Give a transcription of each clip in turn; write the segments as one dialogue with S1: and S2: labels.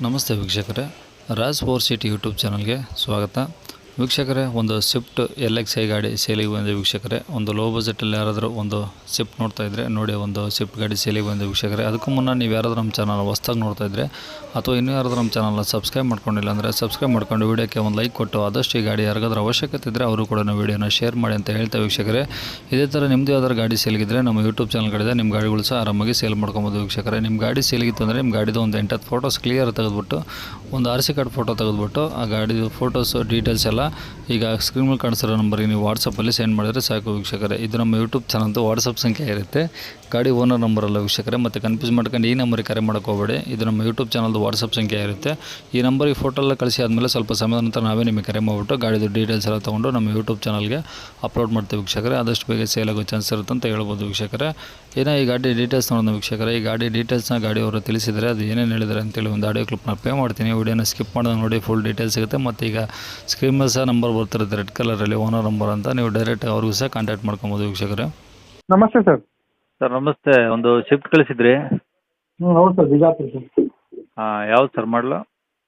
S1: ನಮಸ್ತೆ ವೀಕ್ಷಕರೇ, Raj four city YouTube ಚಾನಲ್ಗೆ ಸ್ವಾಗತ. ವೀಕ್ಷಕರೇ, ಒಂದು ಸ್ವಿಫ್ಟ್ LXi ಗಾಡಿ ಸೇಲಿಗೆ ಬಂದಿದೆ ವೀಕ್ಷಕರೇ. ಒಂದು ಲೋ ಬಜೆಟಲ್ಲಿ ಯಾರಾದರೂ ಒಂದು ಸ್ವಿಫ್ಟ್ ನೋಡ್ತಾ ಇದ್ದರೆ ನೋಡಿ, ಒಂದು ಸ್ವಿಫ್ಟ್ ಗಾಡಿ ಸೇಲಿಗೆ ಬಂದಿದೆ ವೀಕ್ಷಕರೇ. ಅದಕ್ಕೂ ಮುನ್ನ ನೀವು ಯಾರಾದರೂ ನಮ್ಮ ಚಾನಲ್ ಹೊಸ್ದಾಗಿ ನೋಡ್ತಾ ಇದ್ದರೆ ಅಥವಾ ಇನ್ನೂ ಯಾರಾದರೂ ನಮ್ಮ ಚಾನಲ್ನ ಸಬ್ಸ್ಕ್ರೈಬ್ ಮಾಡ್ಕೊಂಡಿಲ್ಲ ಅಂದರೆ ಸಬ್ಸ್ಕ್ರೈಬ್ ಮಾಡ್ಕೊಂಡು ವೀಡಿಯೋಕ್ಕೆ ಒಂದು ಲೈಕ್ ಕೊಟ್ಟು ಆದಷ್ಟು ಈ ಗಾಡಿ ಯಾರಿಗಾದ್ರೂ ಅವಶ್ಯಕತೆ ಇದ್ದರೆ ಅವರು ಕೂಡ ವೀಡಿಯೋನ ಶೇರ್ ಮಾಡಿ ಅಂತ ಹೇಳ್ತಾ ವೀಕ್ಷಕರೇ. ಇದೇ ಥರ ನಿಮ್ಮದು ಯಾವ್ದಾದ್ರು ಗಾಡಿ ಸೇಲಿಗಿದ್ರೆ ನಮ್ಮ ಯೂಟ್ಯೂಬ್ ಚಾನಲ್ ಕಡೆ ನಿಮ್ಮ ಗಾಡಿಗಳು ಸಹ ಆರಾಮಾಗಿ ಸೇಲ್ ಮಾಡ್ಕೊಬೋದು ವೀಕ್ಷಕರೇ. ನಿಮ್ಮ ಗಾಡಿ ಸೇಲಿಗಿತ್ತು ಅಂದರೆ ನಿಮ್ಮ ಗಾಡಿದು ಒಂದು 8-10 ಫೋಟೋಸ್ ಕ್ಲಿಯರ್ ತೆಗೆದುಬಿಟ್ಟು ಒಂದು RC ಕಾರ್ಡ್ ಫೋಟೋ ತೆಗೆದುಬಿಟ್ಟು ಆ ಗಾಡಿದು ಫೋಟೋಸು ಡೀಟೇಲ್ಸ್ ಎಲ್ಲ ಈಗ ಸ್ಕ್ರೀನ್ ಮೇಲೆ ಕಾಣಿಸಿರೋ ನಂಬರಿಗೆ ನೀವು ವಾಟ್ಸಪ್ಪಲ್ಲಿ ಸೆಂಡ್ ಮಾಡಿದರೆ ಸಾಕು ವೀಕ್ಷಕರೇ. ಇದು ನಮ್ಮ ಯೂಟ್ಯೂಬ್ ಚಾನಲ್ದು ವಾಟ್ಸಪ್ ಸಂಖ್ಯೆ ಇರುತ್ತೆ, ಗಾಡಿ ಓನರ್ ನಂಬರಲ್ಲ ವೀಕ್ಷಕರೇ. ಮತ್ತು ಕನ್ಫ್ಯೂಸ್ ಮಾಡ್ಕೊಂಡು ಈ ನಂಬರಿಗೆ ಕರೆ ಮಾಡೋಕ್ಕೆ ಹೋಗಬೇಡಿ. ಇದು ನಮ್ಮ ಯೂಟ್ಯೂಬ್ ಚಾನಲ್ದು ವಾಟ್ಸಪ್ ಸಂಖ್ಯೆ ಇರುತ್ತೆ. ಈ ನಂಬರಿಗೆ ಫೋಟೋ ಎಲ್ಲ ಕಳಿಸಿ ಆದಮೇಲೆ ಸ್ವಲ್ಪ ಸಮಯದ ನಂತರ ನಾವೇ ನಿಮಗೆ ಕರೆ ಮಾಡಿಬಿಟ್ಟು ಗಾಡಿದು ಡೀಟೇಲ್ಸ್ ಎಲ್ಲ ತೊಗೊಂಡು ನಮ್ಮ ಯೂಟ್ಯೂಬ್ ಚಾನಲ್ಗೆ ಅಪ್ಲೋಡ್ ಮಾಡ್ತೀವಿ ವೀಕ್ಷಕರೇ. ಆದಷ್ಟು ಬೇಗ ಸೇಲ್ ಆಗೋ ಚಾನ್ಸ್ ಇರುತ್ತೆ ಅಂತ ಹೇಳ್ಬೋದು ವೀಕ್ಷಕರೇ. ಏನೋ ಈ ಗಾಡಿ ಡೀಟೇಲ್ಸ್ ನೋಡೋಣ ವೀಕ್ಷಕರೇ. ಈ ಗಾಡಿ ಡೀಟೇಲ್ಸ್ನ ಗಾಡಿಯವರು ತಿಳಿಸಿದರೆ ಅದು ಏನೇನು ಹೇಳಿದ್ದಾರೆ ಅಂತೇಳಿ ಒಂದು ಆಡಿಯೋ ಕ್ಲಿಪ್ನ ಪ್ಲೇ ಮಾಡ್ತೀನಿ. ವಿಡಿಯೋನ ಸ್ಕಿಪ್ ಮಾಡೋದು ನೋಡಿ, ಫುಲ್ ಡೀಟೇಲ್ಸ್ ಸಿಗುತ್ತೆ. ಮತ್ತು ಈಗ ಸ್ಕ್ರೀನ್ ಮೇಲೆ ಸಹ ನಂಬರ್ ಬರ್ತಿರುತ್ತೆ ರೆಡ್ ಕಲರಲ್ಲಿ, ಓನರ್ ನಂಬರ್ ಅಂತ. ನೀವು ಡೈರೆಕ್ಟ್ ಅವ್ರಿಗೂ ಸಹ ಕಾಂಟ್ಯಾಕ್ಟ್ ಮಾಡ್ಕೊಬೋದು ವೀಕ್ಷಕರೇ.
S2: ನಮಸ್ತೆ ಸರ್.
S3: ಸರ್ ನಮಸ್ತೆ, ಒಂದು ಶಿಫ್ಟ್ ಕಳಿಸಿದ್ರಿ.
S2: ಹೌದು ಸರ್, ಬಿಜಾಪುರ ಸರ್.
S3: ಹಾಂ, ಯಾವ್ದು ಸರ್ ಮಾಡಲು?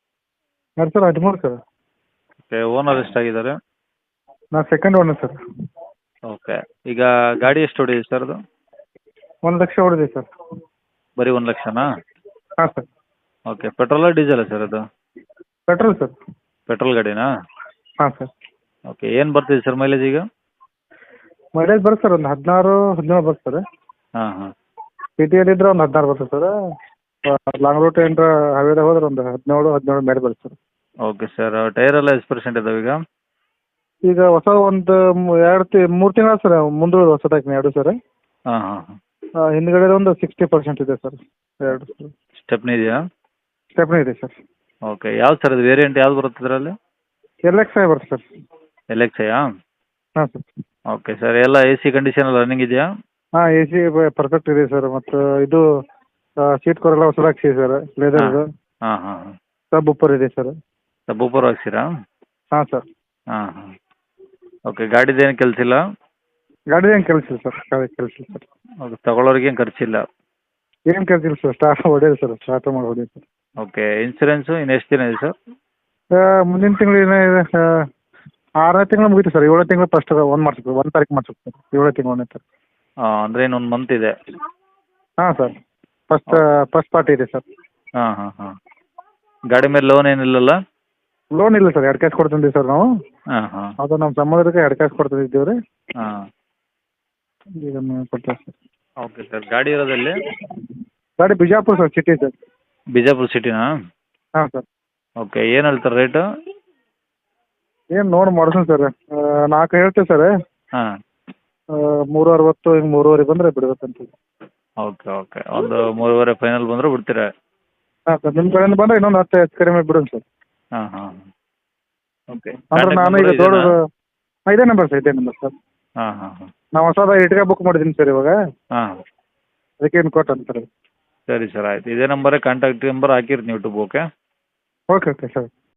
S2: 2013 ಸರ್.
S3: Okay, owner ಎಷ್ಟಾಗಿದ್ದಾರೆ?
S2: ನಾನು ಸೆಕೆಂಡ್ ಓನರ್ ಸರ್.
S3: ಓಕೆ, ಈಗ ಗಾಡಿ ಎಷ್ಟು ಹೊಡಿದೆ ಸರ್ ಅದು?
S2: 1 ಲಕ್ಷ ಹೊಡೆದಿದೆ ಸರ್.
S3: ಬರೀ 1 ಲಕ್ಷನಾ?
S2: ಹಾಂ ಸರ್.
S3: ಓಕೆ, ಪೆಟ್ರೋಲಾ ಡೀಸೆಲಾ ಸರ್ ಅದು?
S2: Petrol sir.
S3: ಪೆಟ್ರೋಲ್ ಗಾಡಿನಾ?
S2: ಹಾಂ ಸರ್.
S3: ಓಕೆ, ಏನು ಬರ್ತಿದೆ ಸರ್ ಮೈಲೇಜ್ ಈಗ?
S2: ಮೈಲೇಜ್ ಬರುತ್ತೆ ಸರ್, ಒಂದು 16-17 ಬರುತ್ತೆ ಸರ್.
S3: ಹಾಂ ಹಾಂ.
S2: ಸಿಟಿಯಲ್ಲಿ ಇದ್ರೆ ಒಂದು 16 ಬರುತ್ತೆ ಸರ್. ಲಾಂಗ್ ರೂಟ್ ಏನಾರ ಹೈವೇದಾಗ ಹೋದ್ರೆ ಒಂದು 17 ಮೇಲೆ ಬರುತ್ತೆ ಸರ್.
S3: ಓಕೆ ಸರ್, ಟೈರ್ ಎಲ್ಲ ಎಷ್ಟು ಪರ್ಸೆಂಟ್ ಇದಾವೆ ಈಗ?
S2: ಈಗ ಹೊಸ ಒಂದು 3 ತಿಂಗಳು ಸರ್, ಮುಂದೆ ಹೊಸದಾಗಿ 2 ಸರ್.
S3: ಹಾಂ ಹಾಂ ಹಾಂ.
S2: ಹಿಂದ್ಗಡೆ ಒಂದು 60% ಇದೆ ಸರ್. 2
S3: ಸ್ಟೆಪ್ನಿ ಇದೆಯಾ?
S2: ಸ್ಟೆಪ್ನಿ ಇದೆ ಸರ್.
S3: ಓಕೆ, ಯಾವ್ದು ಸರ್ ಅದು ವೇರಿಯಂಟ್ ಯಾವ್ದು ಬರುತ್ತೆ ಅದರಲ್ಲಿ?
S2: LXi ಬರುತ್ತೆ ಸರ್.
S3: LXiಯಾ?
S2: ಹಾಂ ಸರ್.
S3: ಓಕೆ ಸರ್, ಎಲ್ಲ AC ಕಂಡೀಷನ್ ಎಲ್ಲ ರನ್ನಿಂಗ್ ಇದೆಯಾ?
S2: ಹಾಂ, AC ಪರ್ಫೆಕ್ಟ್ ಇದೆ ಸರ್. ಮತ್ತು ಇದು ಸೀಟ್ ಕವರ್ ಎಲ್ಲ ಹೊಸದಾಗಿ ಸರ್, ಲೆದರ್.
S3: ಹಾಂ ಹಾಂ ಹಾಂ.
S2: ಸಬ್ ಉಪ್ಪರ್ ಇದೆ ಸರ್.
S3: ಸಬ್ ಊಪರ್ ಹಾಕ್ಸಿರಾ?
S2: ಹಾಂ ಸರ್.
S3: ಹಾಂ ಹಾಂ. ಓಕೆ, ಗಾಡಿದೇನು ಕೆಲಸ ಇಲ್ಲ?
S2: ಗಾಡಿದೇನು ಕೆಲಸ ಇಲ್ಲ ಸರ್, ಗಾಡಿ ಕೆಲಸ ಇಲ್ಲ ಸರ್.
S3: ಓಕೆ, ತಗೊಳ್ಳೋರಿಗೇನು ಖರ್ಚಿಲ್ಲ?
S2: ಏನು ಕೆಲಸ ಸರ್, ಸ್ಟಾರ್ಟ್ ಹೊಡೆಯೋದು ಸರ್, ಸ್ಟಾರ್ಟ್ ಮಾಡಿ ಹೊಡೆಯೋದು ಸರ್.
S3: ಓಕೆ, ಇನ್ಸೂರೆನ್ಸು ಇನ್ನು ಎಷ್ಟು ದಿನ ಇದೆ ಸರ್?
S2: ಮುಂದಿನ ತಿಂಗಳು ಏನೇ ಇದೆ, 6ನೇ ತಿಂಗಳು ಮುಗೀತು ಸರ್. 7ನೇ ತಿಂಗಳು ಫಸ್ಟ್ 1 ತಾರೀಕು ಮಾಡ್ಬೇಕು ಸರ್. 7ನೇ ತಿಂಗಳು 1ನೇ ತಾರೀಕು.
S3: ಹಾಂ, ಅಂದರೆ ಇನ್ನೊಂದು ಮಂತ್ ಇದೆ.
S2: ಹಾಂ ಸರ್, ಫಸ್ಟ್ ಪಾರ್ಟಿ ಇದೆ ಸರ್.
S3: ಹಾಂ ಹಾಂ ಹಾಂ. ಗಾಡಿ ಮೇಲೆ ಲೋನ್ ಏನಿಲ್ಲಲ್ಲ?
S2: ಲೋನ್ ಇಲ್ಲ ಸರ್, 2 ಕ್ಯಾಶ್ ಕೊಡ್ತಿದ್ದೀವಿ ಸರ್ ನಾವು.
S3: ಹಾಂ ಹಾಂ.
S2: ಅದು ನಮ್ಮ ಸಂಬಂಧಕ್ಕೆ 2 ಕ್ಯಾಶ್ ಕೊಡ್ತಿದ್ದೀವಿ ರೀ.
S3: ಹಾಂ.
S2: ಈಗ ಕೊಡ್ತೇವೆ ಸರ್.
S3: ಓಕೆ ಸರ್, ಗಾಡಿ ಇರೋದಲ್ಲಿ?
S2: ಗಾಡಿ Bijapur sir, city sir.
S3: Bijapur ಸಿಟಿನಾ?
S2: ಹಾಂ ಸರ್.
S3: ಓಕೆ, ಏನು ಹೇಳ್ತಾರೆ ರೇಟು?
S2: ಏನು ನೋಡಿ ಮಾಡಿಸೋಣ ಸರ್. 4 ಹೇಳ್ತೀವಿ ಸರ್.
S3: ಹಾಂ.
S2: 360 ಹಿಂಗೆ 3.5 ಬಂದರೆ ಬಿಡ್ಬೇಕಂತ.
S3: ಓಕೆ ಓಕೆ, ಒಂದು 3.5 ಫೈನಲ್ ಬಂದರೆ ಬಿಡ್ತೀರಾ?
S2: ಹಾಂ ಸರ್, ನಿಮ್ಮ ಕಡೆಯಿಂದ ಬಂದರೆ ಇನ್ನೊಂದು 10 ಹೆಚ್ಚು ಕಡಿಮೆ ಬಿಡೋಣ ಸರ್.
S3: ಹಾಂ ಹಾಂ. ಓಕೆ,
S2: ಅಂದ್ರೆ ನಾನು ಈಗ ದೊಡ್ಡದು ಇದೇ ನಂಬರ್ ಸರ್.
S3: ಹಾಂ ಹಾಂ ಹಾಂ.
S2: ನಾವು ಹೊಸದಾಗಿ ಇಟ್ಗೆ ಬುಕ್ ಮಾಡಿದ್ದೀನಿ ಸರ್ ಇವಾಗ.
S3: ಹಾಂ.
S2: ಅದಕ್ಕೆ ಏನು ಕೊಟ್ಟು ಅಂತಾರೆ.
S3: ಸರಿ ಸರ್, ಆಯ್ತು. ಇದೇ ನಂಬರೇ ಕಾಂಟ್ಯಾಕ್ಟ್ ನಂಬರ್ ಹಾಕಿರ್ತೀನಿ YouTube. Okay
S2: okay okay sir.